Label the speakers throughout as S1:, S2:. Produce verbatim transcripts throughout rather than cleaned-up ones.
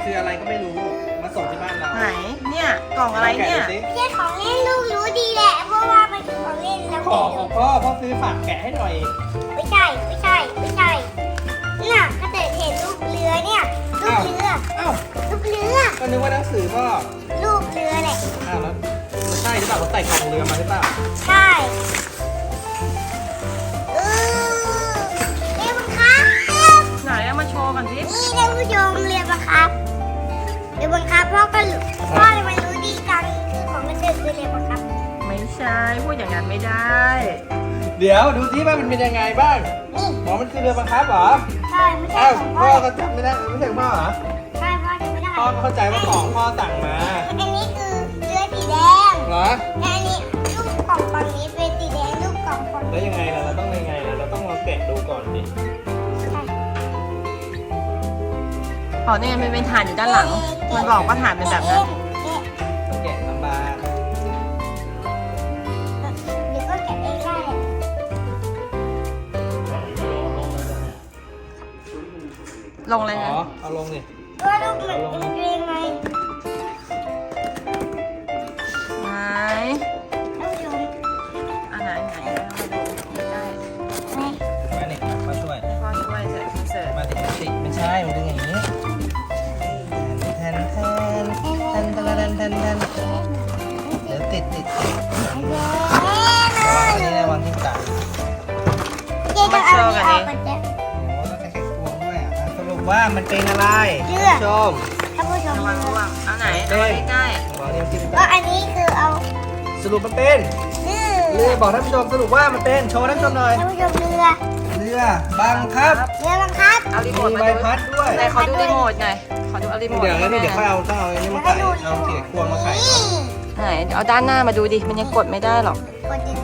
S1: คืออะไรก็ไม่รู้มาส่งที่บ้านเรา
S2: ไหนเนี่ยกล่องอะไรเนี่ย
S1: แกะดูสิ
S3: ไม่ใช่ของเล่นลูกรู้ดีแหละเพราะว่ามันคือของเล่นแล้ว
S1: ของของพ่อพ่อซื้อฝากแกะให้หน่อย
S3: ไม่ใช่ไม่ใช่ไม่ใช่น่ะก็แต่เห็นลูกเรือเนี่ยลูกเรือ
S1: เอ้า
S3: ลูกเรือ
S1: ก็นึกว่าหนังสือพ่อ
S3: ลูกเรือแหละ
S1: อ้าวแล้วมันใช่หรือเปล่าเขาใส่กล่องเรือมาหรือเปล่า
S3: ใช่เออเรือบังคับ
S2: ไหนเอามาโชว์กันสิ
S3: นี่ท่านผู้ชมเรือบังคับเรือบังคับพ่อก็รู้พ่อเลยมันรู้ดีจังคือของมันเดินคือเรือบังคับ
S2: ไม่ใช่พูดอย่างนั้นไม่ได้
S1: เดี๋ยวดูที่ว่ามันเป็นยังไงบ้าง
S3: นี่
S1: หมอมันคือเรือบังคับเหรอ
S3: ใช่ไม่ใช่
S1: อ้าว
S3: ของ
S1: พ่
S3: พ่
S1: อ
S3: อ
S1: ก็จำไม่ได้ไม่ใช่ของพ่อเหรอ
S3: ใช่พ่อจำไม่ได้
S1: พ่อเข้าใจว่าของพ่อสั่งมา
S3: อันนี้คือเรือสีแดง
S1: เหรอ
S3: และอันนี้ลูกกล่องฝั่งนี้เป็นสีแดงลูกกล่องฝั่ง
S1: แล้ว
S3: นี้
S1: ยังไงล่ะเราต้องยังไงล่ะเราต้องลองแกะดูก่อนดิ
S2: อ๋อเนี่ยมันเป็นฐานอยู่ด้านหลัง มันบอกว่าฐานเป็นแบบนั้น
S1: ต้องแกะลำบาก
S3: เดี๋ยวก็แกะเองได้
S2: ลงเลย
S1: อ๋
S2: นะ
S1: อเอาลงดิ
S3: ว่าลูกมันมันเรียงไง
S2: ไหน
S3: ท่านผู้ชม
S2: อันไหนไหนเอามาดูได้
S3: นี่
S1: มาเนี่ยพ่อช่วย
S2: พ่อช่วยใส่คอนเสิร์ต
S1: มาติดติดไม่ใช่ มันดึงอย่างนี้แทนแทนแทนแทนแทนแทนแทนเดี๋ยวติดติดติดอันนี้นะวางที่ตา
S3: เจ๊ต้องเอาอันนี้ออกก่อนเจ๊
S1: โอ้ต้องใช้แค่ควงด้วยอ่ะสรุปว่ามันเป็นอะไร
S3: เชื่อ
S1: ชม
S3: ท่านผู้ชม
S2: ระวังระวังเอาไหน
S1: เอ้
S2: เอา
S1: ย
S2: ใกล้
S1: บอกนี่ที่
S3: ก็อันนี้คือเอา
S1: สรุปมันเป็น
S3: เรือ
S1: เรือบอกท่านผู้ชมสรุปว่ามันเป็นโชว์ท่านผู้ชมหน่อย
S3: ท่านผู้ชมเรือ
S1: เรือบังคับ
S3: เรือบังคับ
S2: ๆเอารีโมท
S1: มี
S2: มา
S1: ใบ
S2: ดู
S1: พัดด้วย
S2: ไหนขอดูรีโมทหน่อยขอดูเอารีโมท
S1: เดี๋ยวงั้นเดี๋ยวค่อย
S2: ให้
S1: เอาต้องเอาอันนี้มาไข่เอาเขียควงมาไข่
S3: นี่
S2: ไหนเดี๋ยวเอาด้านหน้ามาดูดิมันยังกดไม่ได้หรอก
S3: กดดิ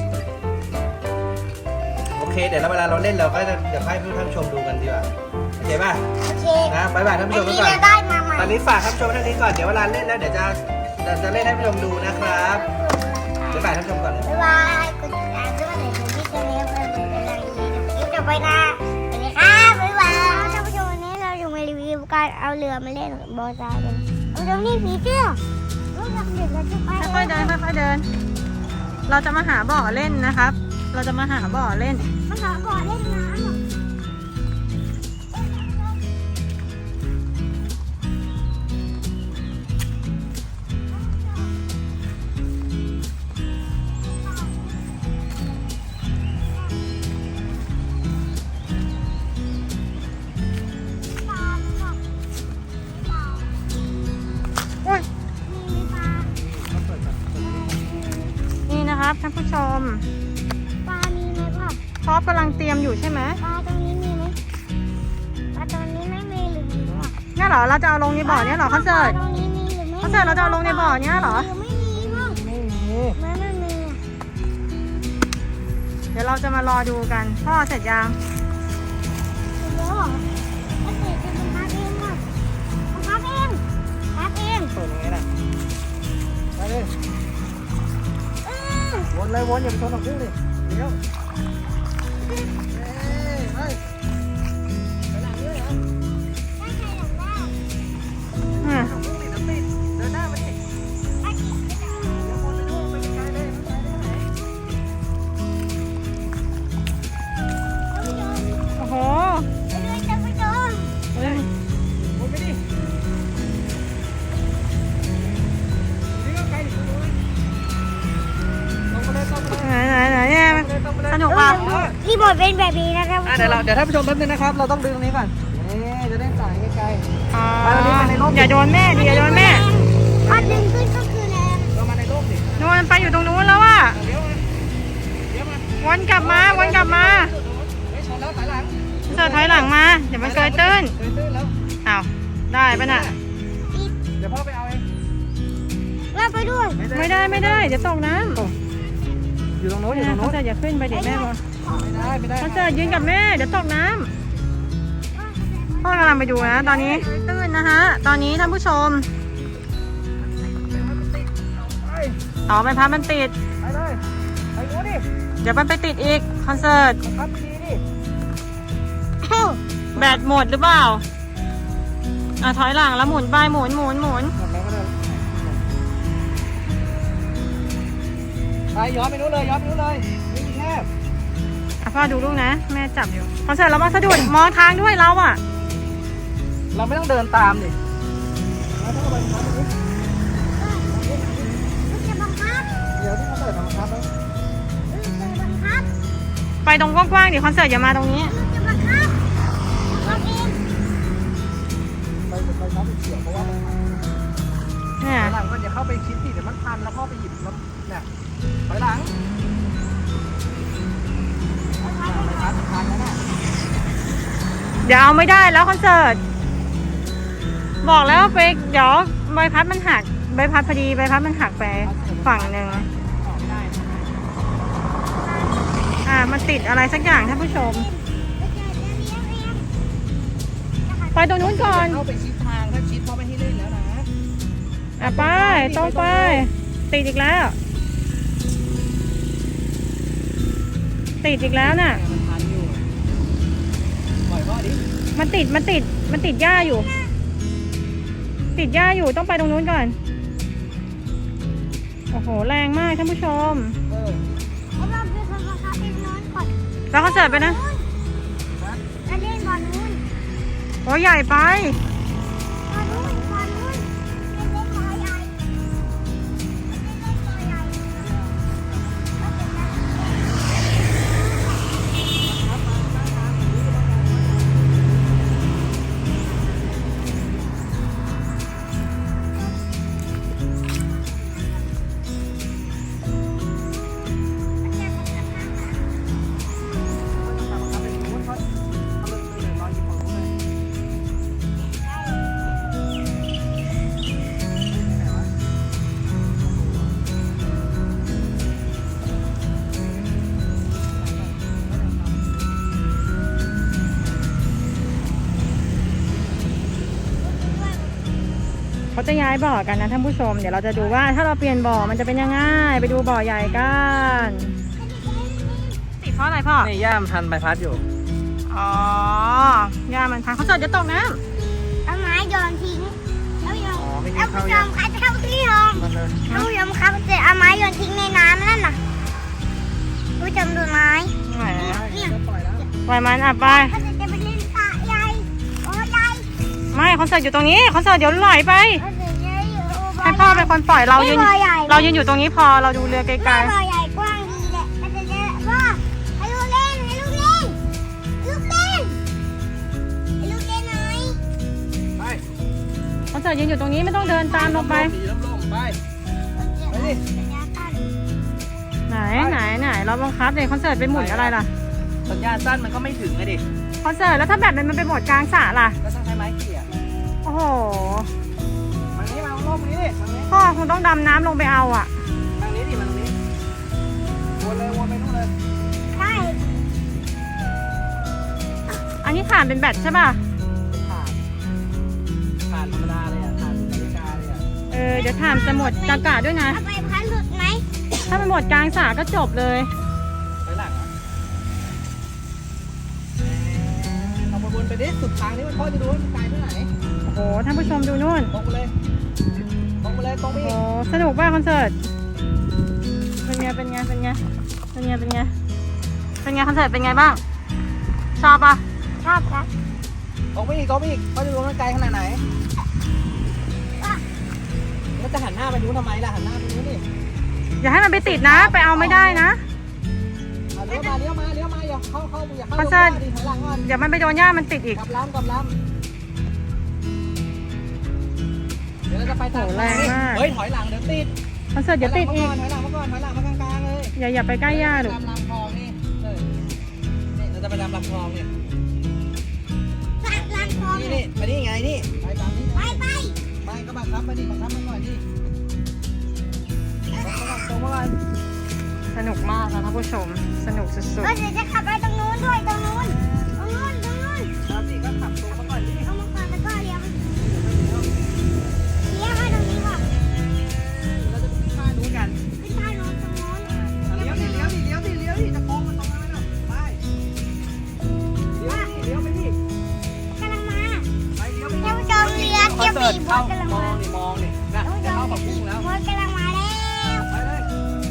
S1: โอเคเดี๋ยวเวลาเราเล่นเราก็จะเดี๋ยวให้ท่านผู้ชมดูกันดีกว่าโอเคป่ะ
S3: โอเค
S1: นะบายบายท่าน
S3: อั
S1: ผู้ช
S3: น
S1: มไป
S3: นี้
S1: ก่อน
S3: เราได้มาใหม่
S1: ตอนนี้ฝากท่านผู้ชมเท่านี้ก่อน เดี๋ยวเวลาเล่นแล้วเดี๋ยวจะจะจะเล่นให้ท่านผู้ชมดูนะครับเดี๋ยวฝากท่านผู้ชมก่อนเลย
S3: บ๊ายบายกดติดตามด้วยในที่จะเลี้ยงไปเป็นกำลังใจกับคลิปต่อไปนะสวัสดีครับบ๊ายบายท่านผู้ชมวันนี้เราอยู่มารีวิวการเอาเรือมาเล่นบอลทรายกันเอาตรงนี้ผีเสื้อลูกหลังเด็กเราจะไป
S2: ค่อยๆเดินค่อยๆเดิน เราจะมาหาบ่อเล่นนะครับ เราจะมาหาบ่อเล่น
S3: มาหาบ่อเล่นน้ำ
S2: นี่นะครับท่านผู้ชม
S3: ปลามีไหมพ่อ
S2: พ่อกำลังเตรียมอยู่ใช่ไหม
S3: ปลาตรงนี้มีไหมปลาตรงนี้ไม่มีหรือมีวะ
S2: เนี่ยเหรอเราจะเอาลงในบ่อเนี่ยเหรอคอนเสิร์ต
S3: ตรงนี้มีหรือไม่มี
S2: คอนเสิร์ตเราจะเอาลงในบ่อเนี่ยเหรอ
S3: หรือไม่มีพ่อ
S1: ไม่มี
S3: ไม่ไม่มีอะ
S2: เดี๋ยวเราจะมารอดูกัน พ่อเสร็จยัง
S3: เดี๋ยวเหรอถ้าเกิดจะเป็นพับเองอ่ะพับเองพับเอง
S1: เปิดยังไงน่ะไปเลย
S3: อืม
S1: วนเลยวนอย่าไปชนหรอกพึ่งดิเดี๋ยวเอ้ยไปไปหลังด้วยเหรอ
S3: ได้ใครหลังได้
S2: อืม
S1: พึ่งดิน้ำติดเดินหน้ามาดิ
S3: อาจิตไม่ได้
S1: เดี๋ยววนไปนู่นไปไกลเลยไปไกลเลยไหน
S2: โอ้โห
S3: ไปด้วยท่านผู้ชม
S2: เฮ้ย
S1: วนไปดินี่ก็ไกลดิคุณรู้ลงไปเลยลงไปเลย
S2: ไหนไหนไหนเนี่ยสนุกป่ะ
S3: รีโมทเป็นแบบนี้นะครับ
S1: อ่ะเดี๋ยวเราเดี๋ยวท่านผู้ชมแป๊บนึงนะครับ เราต้องดึงตรงนี้ก่อนนี่จะได้สายไกล
S2: อ่า
S1: ไปตรงนี้ไปในร่ม
S2: อย่าโดนแม่ดิอย่าโดนแม่
S3: พอดึงขึ้นก็คือแรง
S1: ๆเรามาในร่มดิ
S2: โดนไปอยู่ตรงนู้นแล้วอ่ะ
S1: เดี๋ยวมาเดี๋ยวมา
S2: วนกลับมาวนกลับมา
S1: ไม่ชนแล้วถอยหลัง
S2: เสิร์ฟถอยหลังมาเดี๋ยวมันเกยตื้น
S1: เดินตื้นแล้ว
S2: อ้าวได้ปะน่ะ
S1: เดี๋ยวพ่อไปเอาเอง
S3: เราไปด้วย
S2: ไม่ได้ไม่ได้เดี๋ยวตกน้
S1: อยู่ตรงโน้น
S2: ำ
S1: อยู่ตรง
S2: เขา
S1: โน้น
S2: จะอย่าขึ้นไปเดี๋ยวแม่บอก
S1: ไม่ได้ไม่ได้
S2: เขาจะยืนกับแม่เดี๋ยวตกน้ำพ่อกำลังไปดูนะตอนนี้ตื้นนะฮะตอนนี้ท่านผู้ชม
S1: ไป
S2: อ๋อใบพัดมันติด
S1: ไปเลยไปโน้นดิ
S2: เดี๋ยวมันไปติดอีกคอนเสิร์ต
S1: ครับดีดิ
S3: เอ้า
S2: แบตหมดหรือเปล่าอ่ะถอยหลังแล้วหมุนไปหมุนหมุนหมุน
S1: หมดแล้วก็เดินไปย้อนไปนู้นเลยย้อนไปนู้นเลยนี่แคบ
S2: อ่ะพ่อดูลูกนะแม่จับอยู่คอนเสิร์ตเรามาสะดุดมองทางด้วยเราอ่ะ
S1: เราไม่ต้องเดินตามดิเราต้องไปบังคับดิ
S3: ลูกจะบังคับ
S1: เดี๋ยวที่เขาเปิดทำบังคับแล้ว
S3: ลูกจะบังคับ
S2: ไปตรงกว้างๆดิคอนเสิร์ตอย่ามาตรงนี้
S3: ลูกจะบังคับบังเอง
S1: ไปไปน้ำเฉียวเพราะว่ามันพัน
S2: เนี่ย
S1: หลังมันอย่าเข้าไปคิดสิเดี๋ยวมันพันแล้วพ่อไปหยิบแล้วเนี่ยถอยหลังไปพันพันแล้วน่ะ
S2: เดี๋ยวเอาไม่ได้แล้วคอนเสิร์ตบอกแล้วไปเดี๋ยวใบพัดมันหักใบพัดพอดีใบพัดมันหักไปฝั่งหนึ่ง
S1: ออกไม่ได้
S2: อ่ามันติดอะไรสักอย่างท่านผู้ชม
S3: ลูกจะเลี้ยงเอง
S2: ไปตรงนู้นก่อน
S1: เข้าไปชิดทางถ้าชิดพ่อไม่ให้เล่นแล้วนะ
S2: อ่ะไปตรงไปติดอีกแล้ว ติดอีกแล้วน่ะ
S1: มันพันอยู่ปล่อยพ่อดิ
S2: มันติดมันติดมันติดหญ้าอยู่ ติดหญ้าอยู่ต้องไปตรงนู้นก่อนโอ้โหแรงมากท่านผู้ชม
S1: เออ
S3: แล้วเราไปคนบังคับเป็นน้อนก่อน
S2: แล้วคอนเสิร์ตไปนะ
S3: แล้วเล่นบอลนู้น
S2: โอ้ใหญ่ไป
S3: บอลนู้นบอลนู้นเล่นเล่นบอลใหญ่เล่นเล่นบอลใหญ่แล้วเป็นไง
S2: เขาจะย้ายบ่อกันนะท่านผู้ชมเดี๋ยวเราจะดูว่าถ้าเราเปลี่ยนบ่อมันจะเป็นยังไงไปดูบ่อใหญ่กันติดเพราะอะไรพ่อ
S1: นี่ย่ามพันใบพัดอยู่
S2: อ๋อยามันพังเขาเสิร์ตจะตกน้
S3: เอาไม้โยนทิ้งแล้วโยน
S1: อ๋อไม่
S3: ท่า
S1: กิ
S3: น
S1: นข้าว
S3: ผู้ช
S1: ยั
S3: ม
S1: ง
S3: คะท่านผู้ชม
S1: มันเลย
S3: ท่านผู้ชมครับจะเอาไม้โยนทิ้งในน้ำนั่นน่ะผู้ชมดูไม้
S2: ำไหน
S3: เนี่ย
S1: จะปล่อยแล้ว
S2: ปล่อยมันอ่ะไป
S3: เขาจะไปเล่นสระใหญ่โอ้ใหญ่
S2: ไม่คอนเสิร์ตอยู่ตรงนี้คอนเสิร์ตเดี๋ยวไหลไป
S3: เขาจะใหญ่อยู่โอ้บ่
S2: ให้พ่อเป็นคนปล่อยเรายืน
S3: บ่อใหญ่
S2: เรายืนอยู่ตรงนี้พอเราดูเรือไกล
S3: บ่อใหญ่กว้างดีแหละเขาจะเล่นพ่อให้ลูกเล่นให้ลูกเล่นลูกเล่นให้ลูกเล่นหน่อย
S1: ไป
S2: ๆคอนเสิร์ตยืนอยู่ตรงนี้ไม่ต้องเดินตามลงไป
S1: สีล่มๆไป ไปดิ
S3: สัญญากัน
S2: ไหนไหนไหนเราบังคับเลยคอนเสิร์ตไปหมุนอะไรล่ะ
S1: สัญญาณสั้นมันก็ไม่ถึงเลยดิ
S2: คอนเสิร์ตแล้วถ้าแบบมันไปหมดกลางสระล่ะ
S1: ก็ต้องใช้ไม้เกี่ย
S2: โอ้โห
S1: ทางนี้มาเอาล่มนี้ดิทางนี้
S2: พ่อคงต้องดำน้ำลงไปเอาอ่ะ
S1: ทางนี้ดิมาทางนี้วนเลยวนไปนู่นเลย
S3: ใช่
S2: อันนี้ถ่านเป็นแบตใช่ป่ะ
S1: ผ่านผ่านธรรมดาเลยอ่ะผ่านนาฬิกาเลยอ่ะ
S2: เออเดี๋ยวถ่านจะหมดกากาด้วยนะ
S3: เอาไปพันหลุดไหม
S2: ถ้ามันหมดกลางสระก็จบเลย
S1: ไปหลังอ่ะเอาไปวนไปดิสุดทางนี้มันพ่อจะดูว่ามันไกลเท่าไหร่
S2: โอ้โหท่านผู้ชมดูนู่น
S1: ตรงไปเลยตรงไปเลยตรงไป
S2: โอ้
S1: อี
S2: โห
S1: ก
S2: สนุกป่ะคอนเสิร์ตเป็นไงเป็นไงเป็นไงเป็นไงเป็นไงเป็นไงคอนเสิร์ตเป็นไงบ้างชอบป่ะ
S3: ชอบครับ
S1: ตรงไปอีกตรงไปอีกพ่อจะดูว่ามันไกลขนาดไหนแล้วจะหันหน้าไปนู้นทำไมล่ะหันหน้าไปนู้นดิ
S2: อย่าให้มันไปติดนะ ไปเอาไม่ได้นะ
S1: เอาเลี้ยวมาเลี้ยวมาเลี้ยวมาอย่าเข้าเข้าอย่าเข้า
S2: คอนเสิร์ต
S1: ดิถอยหลังก่อน
S2: เดี๋ยวมันไปโดนหญ้ามันติดอีก
S1: กลับล้ำกลับล้ำเดี๋ยวเราจะไปตาม
S2: โหแรงมาก
S1: เฮ้ยถอยหลังเดี๋ยวติด
S2: คอนเสิร์ตเดี๋ยวติดอีก
S1: ถอยหลังมาก่อนถอยหลังมาก่อนถอยหลังมากลางๆเลย
S2: อย่าอย่าไปใกล้หญ้าดู
S1: ตามลำคลองนี่เออนี่เราจะไปตามลำคลองเนี่ย
S3: สักลังทอง
S1: นี่นี่ไปนี่ไงนี่ไปตามนี้
S3: ไปไป
S1: ไปก็บังคับไปดิบังคับมันก่อนดิตรงมาก่อน
S2: สนุกมากนะท่านผู้ชม สนุกสุด
S3: ก็เดี๋ยวจะขับไปตรงนู้นด้วยตรงนู้นตรงนู้นตรงนู้น
S1: ครับสิก็ขับตรงมาก่อนดิ
S3: เอามาก่อนแล้วก็เลี้ยวเลี้ยวมาตรงนี้ก่อน
S1: เราจะไปขึ้นท่านู้นกัน
S3: ขึ้นทางโน้นตรงโน้น
S1: เลี้ยวดิเลี้ยวดิเลี้ยวดิเลี้ยวดิจะโค้งมันตรงนั้นแล้วไปเลี้ยวดิเลี้ยวไปดิ
S3: กำลังมา
S1: ไปเลี้ยวไป
S3: ท่านผู้ชมเลี้ยว
S1: คอนเสิร์ตเข้ามองนี่มองนี่นะจะเข้ากับพุ่งแล้ว
S3: มดกำลังมาแล้ว
S1: ไปเลย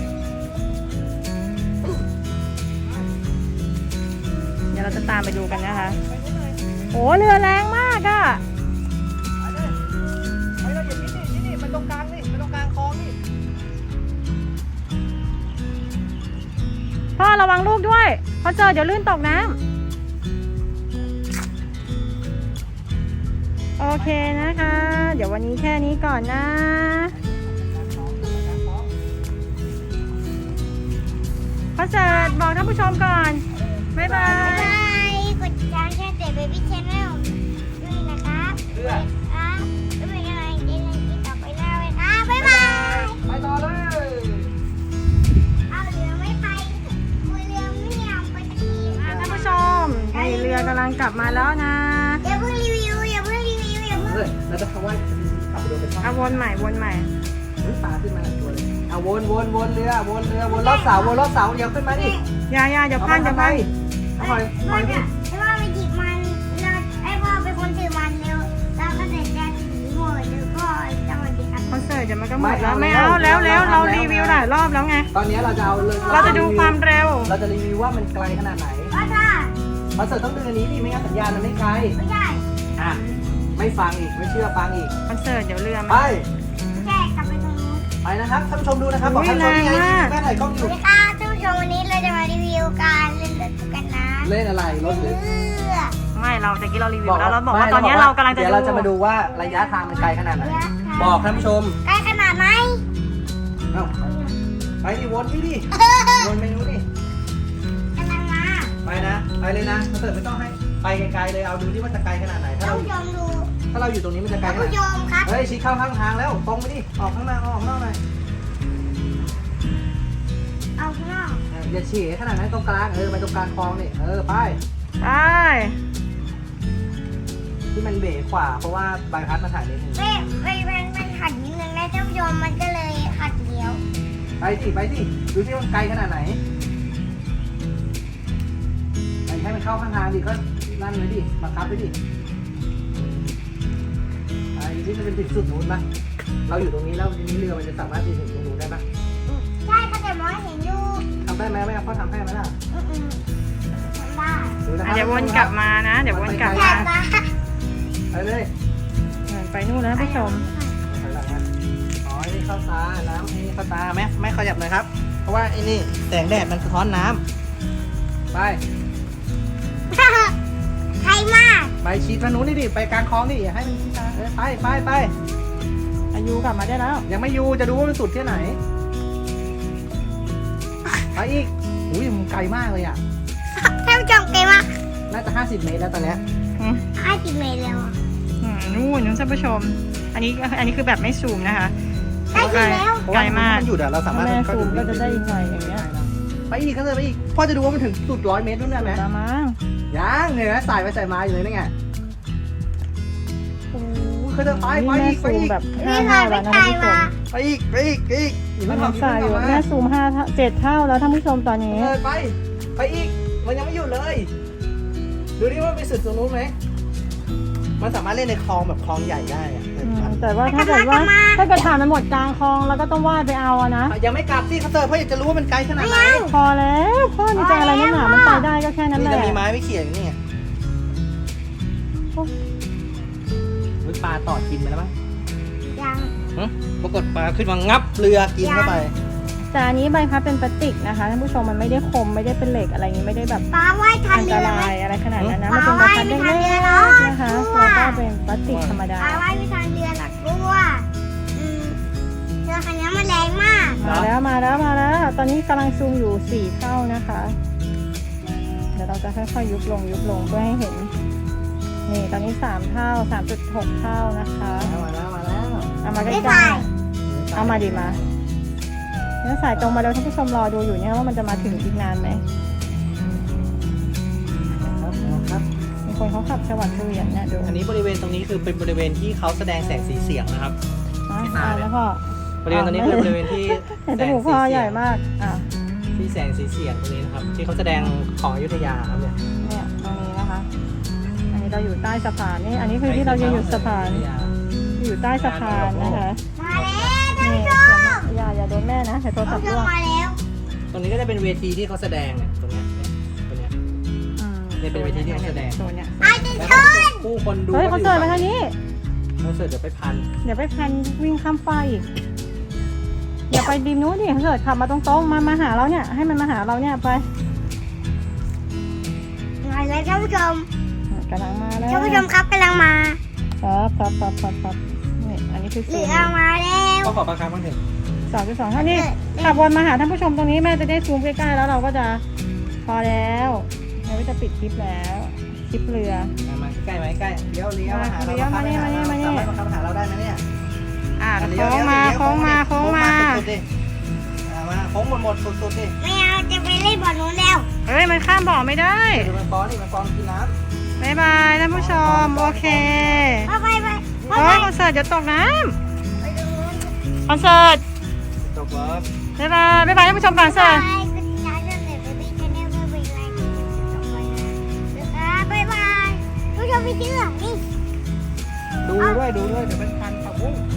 S2: เดี๋ยวเราจะตามไปดูกันนะคะโอ้เรือแรงมากอ่ะ
S1: ไปเลยไปเราอย่าที่นี่ที่นี่มันตรงกลางนี่มันตรงกลางคลองนี่
S2: พ่อระวังลูกด้วยคอนเสิร์ตเดี๋ยวลื่นตกน้ำโอเคนะคะ เดี๋ยววันนี้แค่นี้ก่อนนะคอนเสิร์ตบอกท่านผู้ชมก่อนบ๊ายบา
S3: บ๊าย
S2: ย
S3: บายกดติดตามช่องเต๋อเบบี้ชาแนลด้วยนะครับ
S1: เรือ
S3: ครับแล้วเป็นอะไรเจนในที่ต่อไปหน้าเลยครับบ๊ายบาย
S1: ไปต่อเลย
S3: เอาเรือไม่ไปเรือไม่ยอมไปสักที
S2: ท่านผู้ชมนี่เรือกำลังกลับมาแล้วนะ
S3: อย่าเพิ่งรีวิวอย่าเพิ่งรีวิวอย่าเพิ่ง
S1: เลยแล้วจะคำว่าขับไปโดนไปช่อง
S2: เอาวนใหม่วนใหม่
S1: อุ้ยปลาขึ้นมาตัวเลยเอาวนวนวนเรือวนเรือวนรอบเสาวนรอบเสาเดี๋ยวขึ้นมาดิ
S2: อยาอยาเดี๋ยวพลาดจะ
S1: ไป
S2: ไป
S1: หอยหอยดิ
S3: ไอ้พ่อไปหยิบมันเราไอ้พ่อเป็นคนถือมันเร็วเราก็จะจะถือหมดแล้วก็จะมาดีครับ
S2: คอนเสิร์ตเดี๋ยวมันก็หมดแล้วไม่เอาแล้วแล้วเรารีวิวหลายรอบแล้วไง
S1: ตอนนี้เราจะเอาเลย
S2: เราจะดูความเร็ว
S1: เราจะรีวิวว่ามันไกลขนาดไหน
S3: ก็ถ้า
S1: คอนเสิร์ตต้องดึงอันนี้ดิไม่งั้นสัญญาณมันไม่ไกล
S3: ไม่ใช่
S1: อ่ะไม่ฟังอีกไม่เชื่อฟังอีก
S2: คอนเสิร์ตเดี๋ยวเรือ
S1: ไป
S2: มัน
S3: แค่กลับไปตรงนู้น
S1: ไปนะครับท่านผู้ชมดูนะครับบอก
S2: อุ๊ย
S1: ท่านผู้ชมนี่ไง
S2: แรงมาก
S1: แม่ถ่ายกล้องอ
S3: ส
S1: ยู่
S3: วัสดีค่ะท่านผู้ชมวันนี้เราจะมารีวิวการเล่นรถกันนะ
S1: เล่นอะไรรถหรือ
S3: เรือ
S2: ไม่เราตะกี้เรารีวิวแล้วเราบอกว่าตอนนี้เรากำลังจะ
S1: เดี๋ยวเราจะมาดูว่าระยะทางมันไกลขนาดไหนบอกท่านผู้ชม
S3: ใกล้ขนาดไหน
S1: เอ้าไปดิวนที่ดิวนไปนู้นดิ
S3: กำลังมา
S1: ไปนะไปเลยนะคอนเสิร์ตไม่ต้องให้ไปไกลๆเลยเอาดูที่ว่าจะไกลขนาดไหนถ้า
S3: ท่าน
S1: เรา
S3: ผู้ชมดู
S1: ถ้าเราอยู่ตรงนี้มันจะไกล
S3: ท่าน
S1: ขนาด
S3: ผู้
S1: ไหน
S3: ชมครับ
S1: เฮ้ยชี้เข้าข้างทางแล้วตรงไปดิออกข้างหน้าออกข้างนอกหน่อย
S3: เอาข้างนอก
S1: อย่าฉี่ขนาดนั้นตรงกลางเออไปตรงกลางคลองนี่เออไป
S2: ไป
S1: ที่มันเบรกขวาเพราะว่าใบพัดมาถ่ายนิดนึง
S3: ไม่ไม่ไม่ไม่หัดนิดนึงนะท่านผู้ชมมันก็เลยหัดเลี้ยว
S1: ไปสิไปสิดูที่มันไกลขนาดไหนไปให้มันเข้าข้างทางดิก็นั่นเลยดิบังคับไปดิไอ้ที่มันเป็นถึงสุดนู้นปะเราอยู่ตรงนี้แล้วทีนี้เรือมันจะสามารถไปถึงตรงนู้นได้ปะ
S3: ใช่ก็แต่มองเห็นอยู่
S1: ทำได้ไหมไม่เอาพ่อทำให้ไหมล่ะ
S3: อืมๆทำได้
S1: ดูนะค
S2: อ่ะ
S1: รับ
S2: เดี๋ยววนกลับมานะ เดี๋ยววนกลับ
S3: แต่
S2: มา
S3: ตา
S1: ไปเลย
S2: เหมือนไปนู่นแล้วท่านผู้ชม
S1: ถอยหลังนะอ๋อไอ้นี่เข้าตาน้ำไอ้นี่เข้าตาแม่แม่ขยับหน่อยครับ เพราะว่าไอ้นี่แสงแดดมันสะท้อนน้ำไป
S3: ใครมาก
S1: ไปชี้ทางนู้นนี่ดิไปกลางคลองนี่อย่าให้มันชี้ทางเออไปไปไป
S2: อายุกลับมาได้แล้ว
S1: ยังไม่อยู่จะดูว่ามันสุดที่ไหนไปอีกอุ้ยมันไกลมากเลยอ่ะ
S3: ท่านผู้ชมเก่งมาก
S1: น่าจะห้าสิบเมตรแล้วตอนเนี้ย
S2: อืม
S3: ห้าสิบเมตรแล้วอะ
S2: อืมนู่นนู่นท่านผู้ชม อันนี้อันนี้คือแบบไม่ซูมนะคะ
S3: ได้ถึงแล้ว
S2: ไกลมาก
S1: นหยุดอะเราสามารถ
S2: แม่ซูมก็จะได้อีกหน่อยอย่างเงี้ย
S1: ไปอีกก็เลยไปอีกพ่อจะดูว่ามันถึงสุดร้อยเมตรนู่นได้ไหม
S2: ตามมา
S1: ยังเนี่ยนะสายไปสายมาอยู่เลยนี่ไงโอ้โหคือจะไปไป
S2: นี่แม่
S1: อีกไป
S2: ซูม
S1: อีก
S2: แบบห้า
S3: นี่
S2: เท่า
S3: ค่ะ
S2: แล้ว
S3: ไม่
S2: นะ
S3: ไกล
S2: ท่านผู้ช
S3: มาม
S1: ไปอีกไปอีกไปอีกอย่า
S2: มั
S1: เพิ่
S2: น
S1: ง
S2: ทำสายอยู่แม่ซูมห้าเท่าเจ็ดเท่าแล้วท่านผู้ชมตอนนี้
S1: เออไปไปอีกมันยังไม่หยุดเลย ดูดิว่ามันไปสุดตรงนู้นไหมมันสามารถเล่นในคลองแบบคลองใหญ่ได้อะ
S2: อืมแต่ว่าถ้าเกิดว่าถ้าเกิดผ่านมันหมดกลางคลองแล้วก็ต้องว่ายไปเอาอะนะ
S1: ยังไม่กลับสิเขาเจอเพราะอยากจะรู้ว่ามันไกลขนาดไหน
S2: พอแล้วพ่อนี่จะอะไรนักหนามันไปได้ก็แค่นั้น
S1: นี่
S2: แห
S1: จะ
S2: ละ
S1: มีไม้ไม่เขี่ยอย่างนี้ไงอุ๊ยปลาตอดกินไปแล้วมั้ง
S3: ยัง
S1: หึปรากฏปลาขึ้นมางับเรือกินเข้าไป
S2: แต่อันนี้ใบพัดเป็นพลาสติกนะคะท่านผู้ชมมันไม่ได้คมไม่ได้เป็นเหล็กอะไรอย่างนี้ไม่ได้แบบ
S3: ป้าว่ายทัน
S2: อัน
S3: เรื
S2: ต
S3: อไหม
S2: รายอะไรขนาดนั้นนะมันเป็นใบพัดเล็กๆนะคะแล้วก็เป็นพลาสติกธรรมดา
S3: ป้าว่ายไม่ทันเรือหรอกเพราะว่าอืมเรือคันนี้มันแรงมาก
S2: มาแล้วมาแล้วมาแล้ว ตอนนี้กำลังซูมอยู่สี่เท่านะคะ เดี๋ยวเราจะค่อยๆยุบลงยุบลงเพื่อให้เห็น นี่ตอนนี้สามเท่าสามจุดหกเท่านะคะ
S1: มาแล้วมาแล้ว
S2: เอามาใก
S3: ไม่
S2: ล้
S3: ถ่าย
S2: ๆเอามาดีมาเนื้อสายตรงมาแล้วท่านผู้ชมรอดูอยู่เนี่ยว่ามันจะมาถึงอีกนานไหม
S1: ครับครับ
S2: มีคนเขาขับสวัสดิ์เฉวียนเนี่ยดู
S1: อันนี้บริเวณตรงนี้คือเป็นบริเวณที่เขาแสดงแสงสีเสียงนะครับ
S2: อ่ะเอาแล้วพ่อบ
S1: ริเวณตรงนี้คือบริเวณที่
S2: เห็นจมูกพ่อใหญ่มากอ่ะ
S1: ที่แสงสีเสียงตรงนี้นะครับ ที่เขาแสดงของอยุธยาครับเนี่ย
S2: เนี่ยตรงนี้นะคะ อันนี้เราอยู่ใต้สะพานนี่อันนี้คือที่เรายืนอยู่สะพาน
S1: อยุธย
S2: อยู่ใต้สะพานนะคะ
S3: มาแล้วท่าน
S2: นี่
S3: ผู้ชม
S2: อย่าอย่าโดนแม่นะเดี๋ยวโทรศั
S3: ท่า
S2: พ
S3: น
S2: ท์
S3: ผู้ช
S2: ร่
S3: ม
S2: วง
S3: มาแล้ว
S1: ตรงนี้ก็จะเป็นเวทีที่เขาแสดงเนี่ยตรงเนี้ยเนี่ยตรงเนี้ย
S2: อืม
S1: เนี่ยเป็นเวทีที่เขาแสดง
S2: โซนเนี้ย
S3: ไอ้ดิ
S1: แล้ว
S3: ช
S1: ก็
S3: น
S1: ผู้คนดู
S2: เฮ้ยคอนเสิร์ตมาทางนี้
S1: คอนเสิร์ตเดี๋ยวไปพัน
S2: เดี๋ยวไปพันวิ่งข้ามไฟอีกอย่าไปริมนู้นดิคอนเสิร์ตขับมาตรงๆมามาหาเราเนี่ยให้มันมาหาเราเนี่ยไป
S3: มาแล้วท่านผู้ชม
S2: กำลังมาแล้ว
S3: ท่านผู้ชมครับกำลังมา
S2: ครับครับครับครับครับนี่อันนี้คือ
S3: เห
S2: โซ
S3: ลื
S2: น
S3: อมาแล้ว
S1: ก็ขอประคำบ้างเถอะ
S2: สองจุดสองเท่านี้ขับวนมาหาท่านผู้ชมตรงนี้แม่จะได้ซูมใกล้ๆแล้วเราก็จะพอแล้วเราก็จะปิดคลิปแล้วคลิปเรือ
S1: มามาใกล้ไหมใกล้เลี้ยวเลี้ยวมาหาเรา
S2: เลี้ยวมาเนี่ยมาเนี่ยมาเนี่ย
S1: สามารถมาเข้ามาหาเราได้ไหมเนี่ย
S2: อ่า
S1: เลี้
S2: โค้
S1: ยว
S2: งมา
S1: เลี้ยว
S2: โค้งมาโค้งมา
S1: สุดๆดิอ่ามาโค้งหมดหมดสุดๆดิ
S3: ไม่เอาจะไปเล่นบอลนู้นแล้ว
S2: เฮ้ยมันข้ามบ่อไม่ได้
S1: ดูมันฟ้อนนี่มันฟ้อนกินน้
S2: บายบายท่านผู้ชมโอเค
S3: ไปไปไปไป
S2: โอ้ยคอนเสิร์ตเดี๋ยวตกน้
S3: ไปดูนู้น
S2: ำคอนเสิร์ต
S1: ำจบแล้ว
S2: บายบายบายบายท่านผู้ชมก่อนเสิร์ต
S3: ไปคุณยายเรื่องเด็กเบบี้ชาแนลเพื่อเป็นรายการต่อไปนะบ๊ายบายผู้ชมไม่เชื่อนี่
S1: ดูด้วยดูด้วยเดี๋ยวเป็นพันผักบุ้ง